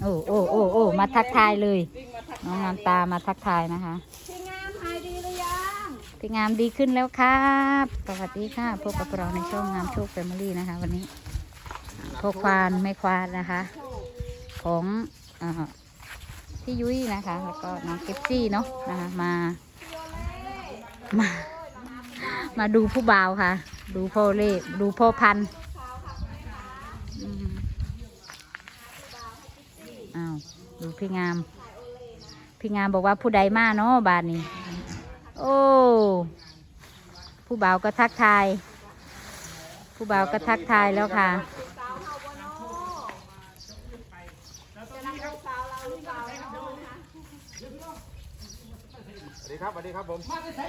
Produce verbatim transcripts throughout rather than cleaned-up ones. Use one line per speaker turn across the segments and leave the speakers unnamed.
โอ้โอ้โอ้โอ้มาทักทายเลยน้องงามตามาทักทายนะคะ
พี่งามหายดีหรือยัง
พี่งามดีขึ้นแล้วครับสวัสดีค่ะพบกับเราในช่องงามโชคแฟมิลี่นะคะ วันนี้พ่อควานแม่ควานนะคะ ของอ่าพี่ยุ้ยนะคะ แล้วก็น้องเก็บซี่เนาะนะคะมามา มาดูผู้บ่าวค่ะ ดูพ่อเล่ดูพ่อพันธุ์อืมอ้าวดูพี่งาม พี่งามบอกว่าผู้ใดมาเนาะบาทนี้โอ้ผู้บ่าวก็ทักทาย ผู้บ่าวก็ทักทายแล้วค่ะ
สวัสดีครับสวัสดีครับผมสวัสดีครับ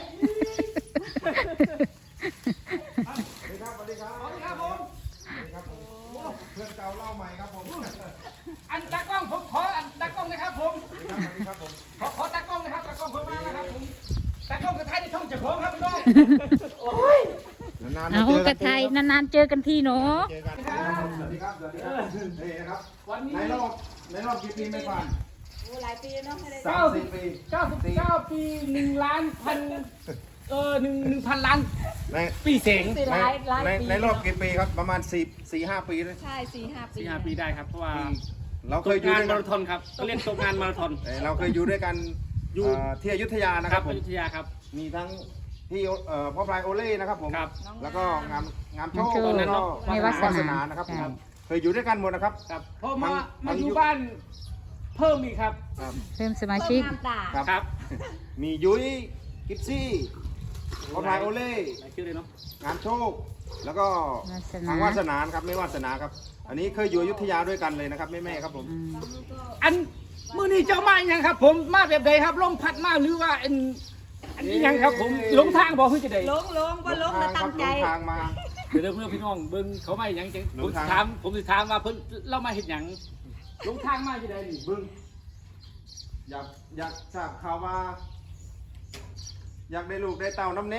สวัสดีครับสวัสดีครับผมสวัสดีครับผมเพื่อนเก่าเล่าใหม่ครับผม
อันตากล้องผมขออันตากล้องนะครับผม
สวัสดีครับผม
ขอขอตากล้องนะครับตากล้องผมมานะครับผมตากล้องกระไทยในช่องเจ้าของครับพี่น้องโอ้ย
นานๆ
เอา
เจอก กั
ระ
น
ไทยนานๆเจอกันทีเนาะ
เจอกันสวัสดีครับสวัสดีครับนี่นะครับวันนี้ในรอบในรอบกี่ปีไม่ผ่าน
โอ้หลายปีเนาะไม่ได้
สามสิบปี
เก้าสิบเก้าปีหนึ่งล้านพันเออหนึ่งหนึ่งพันล้าน
ใน
ปีเสง
สี่
ใน
หลายหลาย
ใน
ปี
ในรอบกี่ปีครับประมาณสี่สี่ห้าปีเลย
ใช่สี่ห้าปี
สี่ห้าปีได้ครับเพราะว่า
เรา
ต
เคย
ก
อยู่
งาน
ด้วย
มา
กัน
ราธอนครับก็เรียกตกงานมาราธอน
เอ่อเราเคยอยู่ด้วยกัน
อยู่
เอ่อที่อยุธยานะ
ค
ค
รั
รั
บบ
ผ
อ
ม
ยุธยาครับ
มีทั้งที่เอ่อพ่อพลายโอเล่นะครับผม
ครับ
แล้วก็งามงามโชค
ตอนนั้
แล้ว
น
ก็
ไม่วาสนา
นะครับ
ใช่
ครับเคยอยู่ด้วยกันหมดนะครับ
ครับพอมา
ทั้ง
มา
ทั้ง
อยู่
ยุค
บ้านเพิ่มอีกครับ
ครับ
เพิ่มสมา
เพิ่
ชิ
ม
ก
งามตา
ครับ
ครับ
มียุ้ยกิฟซี่พ่อพลายโอเล่
หลายชื่อเลยเนาะ
งามโชค แล้วก็
วาสนา
ทางวาสนานะครับไม่วาสนาครับ อันนี้เคยอยู่อยุธยาด้วยกันเลยนะครับแม่แม่ๆครับผม
อืม
อันมื้อนี้เจ้ามาอย่างครับ ผมมาแบบใดครับลงพัดมาหรือว่าอันอันนี้ยังครับผมหลงทางบอกเพื่อจะได้
ลงลงว่าลงแล้วตั้งใจ
หลทางมา
เดี๋ยวเพื่อนพี่น้องเบิ้งเขาไม่หยังจัง
หล
ผม
ง
สิ
ทาง
ถามผมสิถามว่าเพิ่นเล่ามาเห็นหยังลงทางมาจะได้นี่เบิ้ง
อยากอยากทราบข่าวว่า อยากได้ลูกได้เต่าน้ำเน้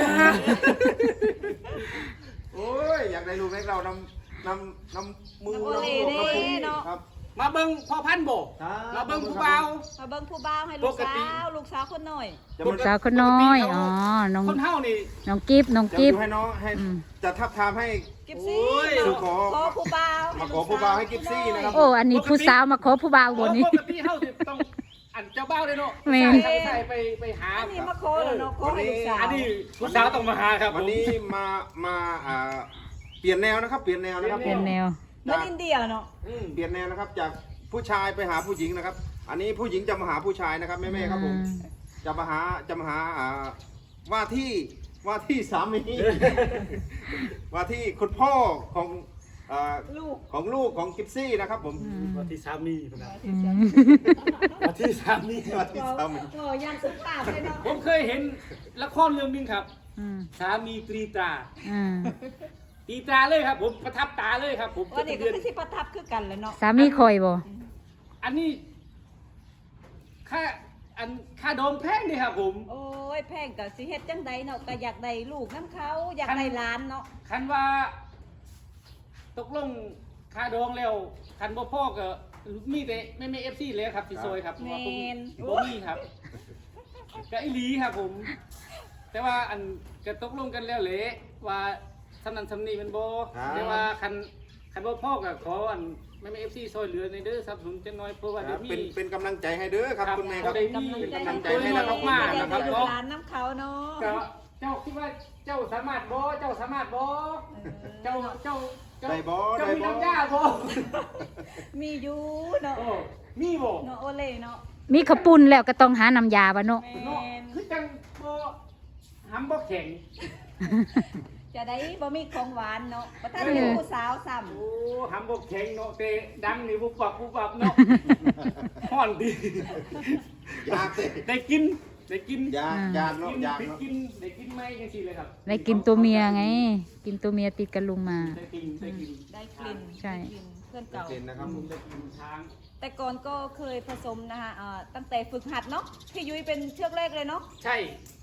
โอ้ยอยากได้ลูกได้เต่าน้ำน้ำน้ำมือ
น้ำโอ
น้ำ
เล่
โน้ำ
เด้
น้ำ
เนาะ
ครับ
มาเบิ้งพ่อพันธุ์โบ
ครับ
มาเบิ้งผู้บ่าว
มาเบิ่งผู้บ่าวให้ลูก
ปกติ
สาวลูกสาวคนหน่อย
จะ
ลู
มาก
สาวคนน้อยอ๋อน้อง
คนเฮานี่
น้องกิฟน้อง
จะ
กิฟ
ดูให้น้องให้
อืม
จะทับทามให้
กิฟซี่
โอ้ย
เนาะ
ขอ
ขอผู้บ่าว
มาขอผู้บ่าวให้กิฟซี่นะครับ
โอ้อันนี้ผู้สาวมาขอผู้บ่าวบนนี้
ปกติเฮาสิต้องอันเจ้าบ่าวเลยเนาะ
แม่
ใส่ใส่ไปไปหา
อันนี้มาขอแล้วเนาะขอให้ลูกสาว
อันนี้ผู้สาวต้องมาหาครับ
วันนี้มามาอ่าเปลี่ยนแนวนะครับ เปลี่ยนแนวนะครับ
เป็นแนว
เหมือนอินเดียเนาะ
อืม
เปลี่ยนแนวนะครับ จากผู้ชายไปหาผู้หญิงนะครับ อันนี้ผู้หญิงจะมาหาผู้ชายนะครับแม่ๆครับผม จะมาหาจะมาหาอ่าว่าที่ว่าที่สามี ว่าที่คุณพ่อของอ่า
ลูก
ของลูกของกิฟซี่นะครับผม
ว่าที่สามีพุ่นน่ะ
อืม
ว่าที่สามี
ว่าที่สามี
โอ้ยันสุภาพเลยเนาะ
ผมเคยเห็นละครเรื่องหนึงครับ
อืม
สามีตรีตรา
อืม
ตรีตราเลยครับผมประทับตาเลยครับผม
วันนี้ก็คือสิประทับคือกันแหล้วเนาะ
สามีคอยบ่
อันนี้ค่าอันค่าโดมแพงดีครับผม
โอ้ยแพงกับสิเฮ็ดจังใดเนาะก็อยากได้ลูกน้ำเขาอยากได้หลานเนาะ
คันว่า ตกลงค่าดองแล้วคันบ่พ่อก็มีแต่ไม่ไม่เอฟซีเลยครับที่ซอยครับเพราะว่าผมบ่มีครับก็อีหลีครับผม แต่ว่าอันก็ตกลงกันแล้วแหละว่าสำนันสำนีมันบ่แต่ว่าคันคันบ่พ่อก็ขออันไม่ไม่เอฟซีซอยเหลือในเด้อสนับสนุนจังน้อยเพราะว่า
ค
เดี๋
รั
ย
บ
วมี
เป็นเป็นกำลังใจให้เด้อครับคุณแม่ครับ
ได้
กำลังใจ
เป็นกำลังใจ
ตัว
ให้
น้
นะ
อย
ค
อ
รั
อบ กมา
อยาก
นะค
ได้
รับ
ลูก
เนาะ
หลานน้ำเขาเนาะ
ก็เจ้าคิดว่าเจ้าสามารถบ่เจ้าสามารถบ่เจ้าเจ้าเจ้า
ได้บ่
เจ้า
ได้
มี
บ่
น้ำยาบ่
มีอยู่เนาะ
โอ้มีบ่
เนาะโอเล่เนาะ
มีขาวปุ้นแล้วก็ต้องหาน้ำยาบ่เนาะ
แม
เนาะ
น
คือจังบ่หำบ่แข็ง
จะได้บ่มีของหวานเนาะบ่ทันเป็นผู้สาวซ้ำ
โอ้หำบ่แข็งเนาะแต่ดังนี่บุบบับบุบบับเนาะฮ้อนดี
อยากสิ
ได้กินได้กิน
อยากอยากเนาะ
กิน
อยาก
ได้
เนาะ
กินได้กินไหมจังซี่เลยครับ
ได้กินตัวเมียไง กินตัวเมียติดกันลุงมา
ได้กินได้กิน
ได้กลิ่น
ใช่
ได้กลิ่นเพื่อนเก่า
เด่นนะครับผม
ได้กินช้าง
แต่ก่อนก็เคยผสมนะคะอ่าตั้งแต่ฝึกหัดเนาะพี่ยุ้ยเป็นเชือกแรกเลยเนาะ
ใช่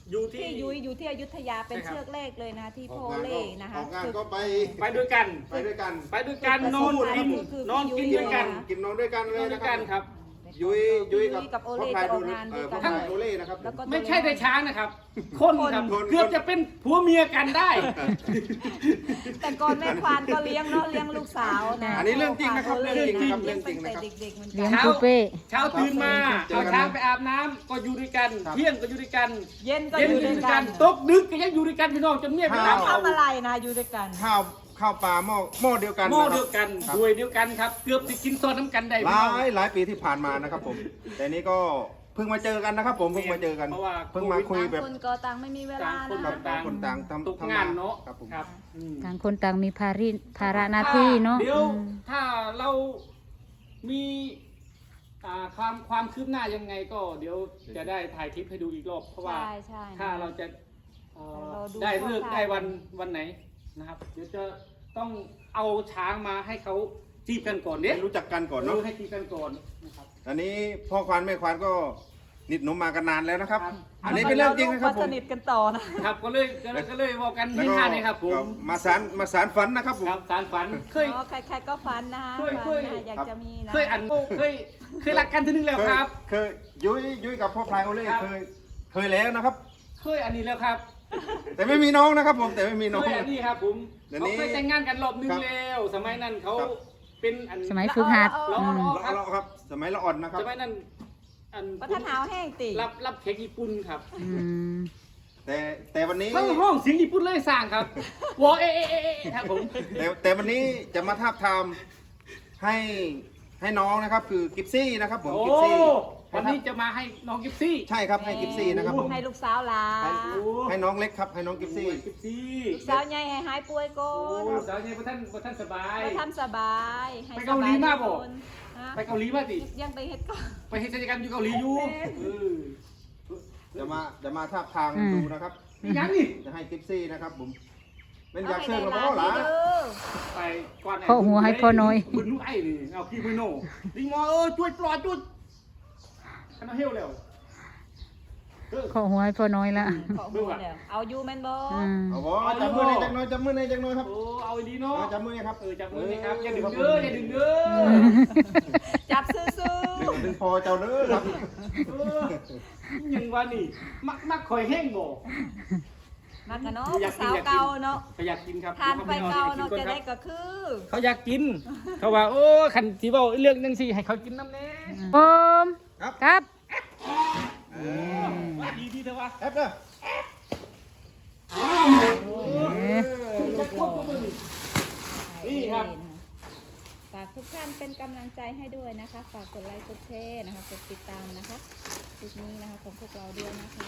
อยู่ที่
ที่ยุ้ยอยู่ที่อยุธยาเป็น
ใช่ครับ
เชือกเลขเลยนะที่
อ
โพ
อกงาน
เล่
ก็
นะคะ
ออกงาน
ฝึก
ก็ไป
ไปด้วยกัน
ไปด้วยกัน
ไปด้วยกันนอนกินนอนกินด้วยกัน
กินนอนด้วยกันเล
นอย นด้
นะ
วย
ค
กั
รั
น
บ
ครับ
ยุ้ยยุ้ยกับ
กับโอ
พ่อ
เล่
พาย
จะอ
ดู
อกงาน
เอ
ด้ว
อย พ่
กั
อน พายโอเล่นะครับ
แล้วก็
ไม่ใช่แต่ช้างนะครับ คนครับ
คน
เกือบจะเป็นผัวเมียกันได้
แต่ก่อนแม่ควานก็เลี้ยงเนาะเลี้ยงลูกสาวนะ
อันนี้เรื่องจริงนะครับเรื่องจริงนะครับเรื่องจริง
ตั้
นะครับ
แต่เด็กๆเหมือน
เลี้
กั
ยง
น
ปูเป้
เช้าตื่นมา
เจอ
เอา
กัน
ช้างไปอาบน้ำก็อยู่ด้วยกัน
ครับ
เที่ยงก็อยู่ด้วยกัน
เย็นก็
เย็น
อยู่
ก็อ
ด้วย
ยู่ด้วย
กั
กัน นตกดึกก็ยังอยู่ด้วยกันพี่น้องจนเมียไป
ข้าว
ตามเอา
ทำอะไรนะอยู่ด้วยกัน
ข้าวข้าวปลาหม้อหม้อเดียวกัน
หม้อ
นะครับ
เดียวกัน
ครับ
ด้วยเดียวกันครับ เกือบจะกินซอนน้ำกันได้
ห
พี่
ลา
น้อง
ยหลายปีที่ผ่านมานะครับผม แต่นี้ก็เพิ่งมาเจอกันนะครับ ผมเพิ่งมาเจอกัน
เพราะว่า
เพิ่งมาคุย
ต่าง
แบบ
คนก็ต่างไม่มีเวลา
ต่างคน
นะ
ต่างคนต่างทำ
ตก
ทำ
งานเนาะ
ครับผม
ครับอืม
ต่างคนต่างมีภาริภาระหน้าที่เนาะ
เดี๋ยว
อืม
ถ้าเรามีอ่าความความคืบหน้ายังไงก็เดี๋ยวจะได้ถ่ายคลิปให้ดูอีกรอบเพราะว่า
ใช่ใช่
ถ้าเราจะเอ่อ
เราดู
ได้เลือก
คร่าวๆ
ได้วันวันไหนนะครับ เดี๋ยวจะต้องเอาช้างมาให้เขาจีบกันก่อนเนี่ย
ให้รู้จักกันก่อนเนาะ
ให้จีบกันก่อนนะครับ
อันนี้พ่อควานแม่ควานก็นิดหนมมากันนานแล้วนะครับ
ครับ
อันนี้เป็นเรื่องจริงนะครับผ
ส
ม
นิทกันต่อนะ
ครับก็เลยก็เลยก็เลยบอกกัน
แล้ว
ให้
ก็
ห้าเนี่ยครับผม
ก็มาสารมาสารฝันนะครับผม
ครับสารฝันเคย
อ๋อใครๆก็ฟันนะคะ
เคย
ฟัน
เคย
นะอยากจะมีนะ
เคยอันเคยเคยรักกันทีนึงแล้ว
เคย
ครับ
เคยยุ้ยยุ้ยกับพ่อพลายโอเล่
ครับ
เคยเคยแล้วนะครับ
เคยอันนี้แล้วครับ
แต่ไม่มีน้องนะครับ ผมแต่ไม่มีน้อง
เคยอันนี้ครับผม
เดี๋ยว
เขา
นี้
เคยแต่งงานกันรอบนึง
ครับ
แล้ว สมัยนั้นเขา
ครับ
เป็นอัน
สมัยฝึกหัด
ล้อ
อืม
ล้อ
เราเราครับ สมัยเราอ่อนนะครับ
สมัยนั้นอัน
ประธานหาวแห้งติ
รับรับเค้กญี่ปุ่นครับ
อืม
แต่แต่วันนี้
ทั้งห้องเสียงญี่ปุ่นเลยสร้างครับวอเอะเอะเอะเอะครับผม
แต่แต่วันนี้จะมาทาบทามให้ให้น้องนะครับ คือกิฟซี่นะครับ ผม
โอ้
กิฟซี่
วันนี้จะมาให้น้องกิฟซี่
ใช่ครับให้กิฟซี่นะครับผม
ให้ลูกสาวหลา
ให้ให้น้องเล็กครับ ให้น้องกิฟซี่
กิฟซี่
ลูกสาวใหญ่ให้หายป่วยก่
โอ้
อน
สาวใหญ่ประท่านประท่านสบาย
ไปทำสบายให้
ไปเกาหลีมาบ่
สบยทุกคนฮะ
ไปเกาหลีมาสิ
ยังไปเฮ็ดก่อน
ไปเฮ็ดกิจกรรมอยู่เกาหลีอยู่เออ
จะมาจะมาทาบทาม
อืม
ดูนะครับ
นี่ยังนี่
จะให้กิฟซี่นะครับผมเป็นอยาก
ให้
เชิญ
ได้
เรา
หลา
ก็
น
หลา
เด้อ
ไปก่อน
พ่อหัวให้พ่อน้อย
บุญลูกไอ้นี่เอาพี่มือโน่ดิงมอเออช่วยปลอดจุดขันเอาเฮี้ยวแล้วเออ
ขอหัวให้พ่อน้อยละ
ขอหัวแล้วเอาอยู่แม่นบ่
อืม
เอาบ่จับมือในจักหน้อยจับมือในจักหน้อยครับ
โอ้เอาอีดีเนาะ
เอาจับมือครับ
เออจับมือนี่ครับอย่าดึงเด้ออย่าดึงเด้อ
จับซื่อ
ดึงดึงพอเจ้าเด้อครับ
เออยังว่านี่มักมักคอยแห้งบ่
ๆมักกันเนาะ
อยาก
ผู้
กิน
สาวเก่าเนาะ
เขาอยากกินครับ
ทานไปเก่าเนาะ
ดี๋ยว
จะ
ข
ได้
ปนอน
ก็คือ
เขาอยากกิน เขาว่าโอ้ขันสีเบาเรื่องนึงสิให้เขากินน้ำแน่
โอม
ครับ
ครับ
เออ
ว่าดีดีเถอะวะ
แอปเด้อ
เอ๊ะ
จะควบคุมมือนี่ครับ
ฝากทุกท่านเป็นกำลังใจให้ด้วยนะคะ ฝากกดไลค์กดแชร์นะคะกดติดตามนะคะคลิปนี้นะคะของพวกเราด้วยนะคะ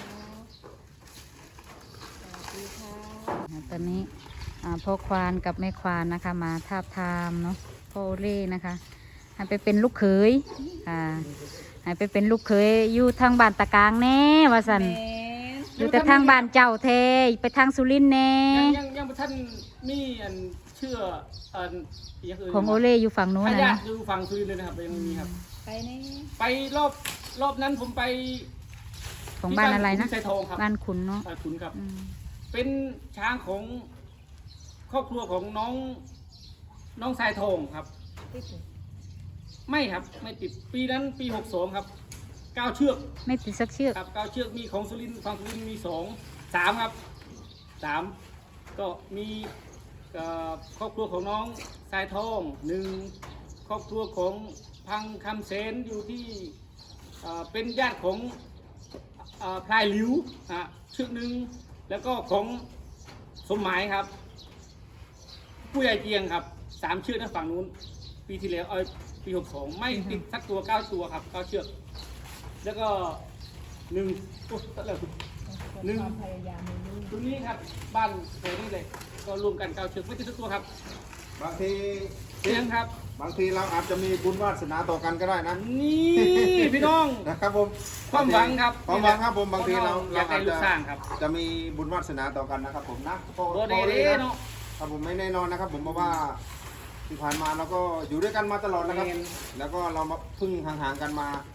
สวัสดีค่ะ
ตอนนี้อ่าพ่อควานกับแม่ควานนะคะ มาทาบทามเนาะพ่อโอเล่นะคะ ให้ไปเป็นลูกเขยอ่าให้ไปเป็นลูกเขยอยู่ทางบ้านตะกางแน่ว่าสัน
แม่น
อยู่แต่ทางบ้านเจ้าเทไปทางสุรินทร์แน่
ยังยังยังท่านมีอันเชื่ออันย่างอื่น
ของโอเล่อยู่ฝั่งนู้น
พ
นะ
ญา
นะ
ติอยู่ฝั่งซุรินทร์เลยนะครับยังไม่มีครับ
ไปนี่
ไปรอบรอบนั้นผมไป
ของบ้านอะไรนะ
ที่ไซทองครับ
บ้านขุนเนาะ
บ้านขุนครับ
อืม
เป็นช้างของครอบครัวของน้องน้องสายทองครับ
ติดอยู่
ไม่ครับไม่ติดปีนั้นปีหกสองครับเก้าเชือก
ไม่ติดสักเชือก
ครับเก้าเชือกมีของสุรินทร์ฝั่งสุรินทร์มีสองสามครับสามก็มีเอ่อครอบครัวของน้องสายทองหนึ่งครอบครัวของพังคำเสนอยู่ที่เอ่อเป็นญาติของเอ่อพลายหลิวอ่ะเชือกหนึ่งแล้วก็ของสมหมายครับ ผู้ใหญ่เจียงครับสามเชือกนะฝั่งนู้นปีที่แล้วเออปีหกสองไม่ติดสักตัวเก้าตัวครับเก้าเชือก แล้วก็หนึ่งโอ้ตัดแล้วหนึ่ง
ความพยายามมีลูก
ตรงนี้ครับบ้านแถวนี้เลยก็รวมกันเก้าเชือกไม่ติดสักตัวครับ
บางที
เสียงครับ
บางทีเราอาจจะมีบุญวาสนาต่อกันก็ได้นะ
นี่พี่น้อง
นะครับผม
ความหวังครับ
ความหวังครับผมบางทีเรา
อยากได้ลูกสร้างครับ
จะมีบุญวาสนาต่อกันนะครับผมนะโป
โบเด
โป
เด
ลย
เนาะ
ครับผมไม่แน่นอนนะครับ ผมเพราะว่าที่ผ่านมาเราก็อยู่ด้วยกันมาตลอดนะครับ
แม่น
แล้วก็เรามาเพึ่งห่างๆกันมา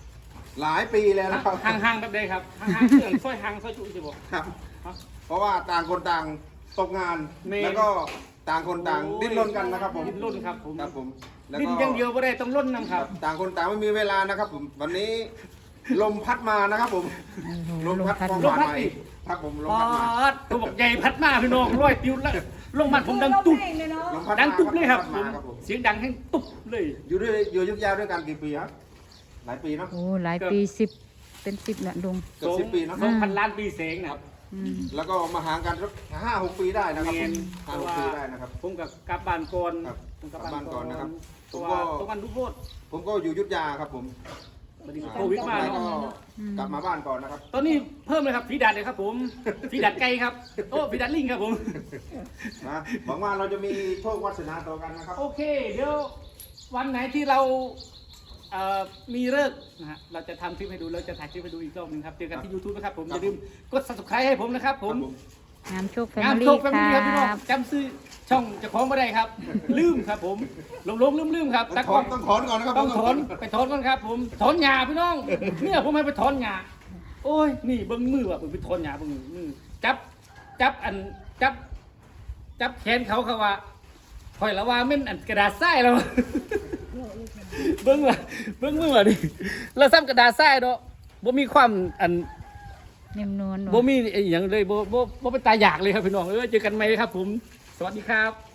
หลายปีแล้วนะครับ
ห่างๆแบบใดครับห่างๆเครื่องซอยห่างซอยจุสิบอก
ครับ
ครับ
เพราะว่าต่างคนต่างตกงาน
เมน
แล้วก็ต่างคนต่างดิ้นรนกันนะครับผม
ดิ้นรนครับผม
ครับผมแล้ว
ดิ้น
ก็
อย่างเดียวไม่ได้ต้องร่นน้ำค
ค
รั
รับ บต่างคนต่างไม่มีเวลานะครับผมวันนี้ลมพัดมานะครับผม
โอ้โห
ลมพัด
ล
ความ
ม
ห
พัด
วานใหม่ครับผมลม
ป
พัดมา
อดตัวบอกใหญ่พัดมาพี่น้องร้อยติ้วแล้วลงมาผมดังตุ๊บ
ลมพัด
ดัง
มา
ตุ๊บเลยครับ
พัด
ผม
มาครับผม
เสียงดังให้ตุ๊บเลย
อยู่ด้วยอยู่ยุทธยาด้วยกันกี่ปีครับหลายปีเนาะ
โอ้หลายปีสิบเป็นสิบละลุง
เกือบสิบปีเนาะ
สองพันล้านปีเสงนะครับ
อืม
แล้วก็มาห่างกันสักห้าหกปีได้นะครับ
เมน
ห้าหกปีได้นะครับ
ผมกับกลับบ้านก่อน
ครับ
ผม
กลับบ้านก่อนนะครับ
ตัว
ผมก็
ตัวมันทุกโทษ
ผมก็อยู่ยุทธยาครับผม
บัดนี้โควิดมา
แล้ว
เนาะ
ก็กลับมาบ้านก่อนนะครับ
ตอนนี้เพิ่มเลยครับฝีดัดเลยครับผมฝีดัดไก่ครับโอ้ฝีดัดลิงครับผม
นะหวังว่าเราจะมีโชควาสนาต่อกันนะครับ
โอเค เดี๋ยววันไหนที่เราเอ่อมีเลิกษ์นะฮะเราจะทำคลิปให้ดูแล้วจะถ่ายคลิปให้ดูอีกรอบหนึงครับเจอกันที่ YouTube นะครับผม
ครั
อบ ย่าลืมกด subscribe ให้ผมนะครับผม
งามโชคแฟ
งาม
มิ
โช
ลี่
คแฟ
ค
มิ
รั
ลี่ครับพี่น้อง
บ
จำซื้อช่องเจะของไม่ได้ครับ ลืมครับผมหลงหลงลืมลืมครับ
ต้
ตา
อง
ก
ถ
ล้
อ
อน ง
ต้องถอนก่อนนะครับ
ต้องถอนไปถอนก่อนครับ ผมถอนหญ้าพี่น้องเนี่ยผมให้ไปถอนหญ้าโอ้ยนี่เบิ้งมือว่ะเบิ้งไปถอนหญ้าเบิ้งมือจับจับอันจับ จับแขนเขาเขาว่าคอยละว่าแม่นอันกระดาษทรายแล้ว เบิ้งว่ะเบิ้งมือว่ะดิแล้วซ้ำกระดาษทรายเนาะบ่มีความอัน
นิ่มนวล
บ่มีอหย่างเลยบ่บ่บ่เป็นตาอยากเลยครับพี่น้องเออเจอกันไหมครับผม สวัสดีครับ